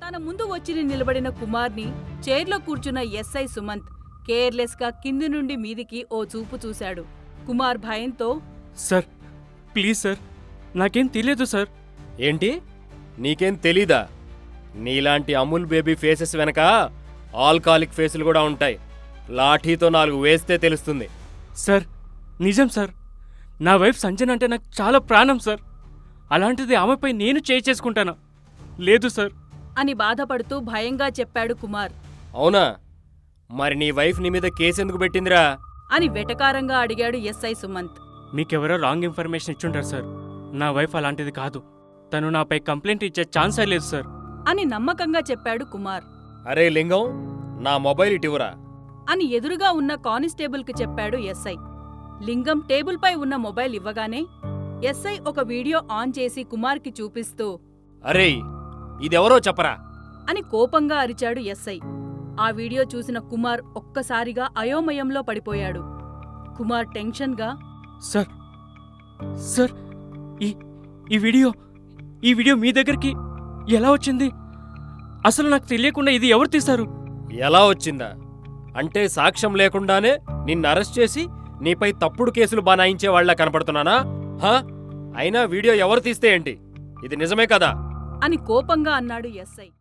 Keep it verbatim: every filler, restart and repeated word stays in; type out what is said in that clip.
తన ముందు వచ్చి నిలబడిన కుమార్ని చైర్లో కూర్చున్న ఎస్ఐ సుమంత్ కేర్లెస్ గా కింది నుండి మీదికి ఓ చూపు చూశాడు. కుమార్ భయంతో, సార్ ప్లీజ్ సార్, నాకేం తెలియదు సార్. ఏంటి, నీకేం తెలీదా? నీలాంటి అమూల్ బేబీ ఫేసెస్ వెనక ఆల్కాలిక్ ఫేసులు కూడా ఉంటాయి. లాఠీతో నాలుగు వేస్తే తెలుస్తుంది. సార్ నిజం సార్, నా వైఫ్ సంజన అంటే నాకు చాలా ప్రాణం సార్. అలాంటిది ఆమెపై నేను చేయి చేసుకుంటానా? లేదు సార్ అని బాధపడుతూ భయంగా చెప్పాడు కుమార్. అవునా? మరి నీ వైఫ్ నీ మీద కేసెందుకు పెట్టిందిరా అని వెటకారంగా అడిగాడు ఎస్ఐ సుమంత్. మీకెవరో రాంగ్ ఇన్ఫర్మేషన్ ఇచ్చుంటారు సార్. నా వైఫ్ అలాంటిది కాదు. తను నాపై కంప్లైంట్ ఇచ్చే ఛాన్సే లేదు సార్ అని నమ్మకంగా చెప్పాడు కుమార్. అరే లింగం, నా మొబైల్ ఇటివురా అని ఎదురుగా ఉన్న కానిస్టేబుల్కి చెప్పాడు ఎస్ఐ. లింగం టేబుల్పై ఉన్న మొబైల్ ఇవ్వగానే ఎస్ఐ ఒక వీడియో ఆన్ చేసి కుమార్కి చూపిస్తూ, అరే ఇదెవరో చెప్పరా అని కోపంగా అరిచాడు ఎస్ఐ. ఆ వీడియో చూసిన కుమార్ ఒక్కసారిగా అయోమయంలో పడిపోయాడు. కుమార్ టెన్షన్గా, సార్ సార్ ఈ ఈ వీడియో ఈ వీడియో మీ దగ్గరికి ఎలా వచ్చింది? అసలు నాకు తెలియకుండా ఇది ఎవరు తీశారు? ఎలా వచ్చిందా అంటే సాక్ష్యం లేకుండానే నిన్ను అరెస్ట్ చేసి నీపై తప్పుడు కేసులు బనాయించే వాళ్ళ కనపడుతున్నానా? హా, అయినా వీడియో ఎవరు తీస్తే ఏంటి? ఇది నిజమే కదా అని కోపంగా అన్నాడు ఎస్ఐ.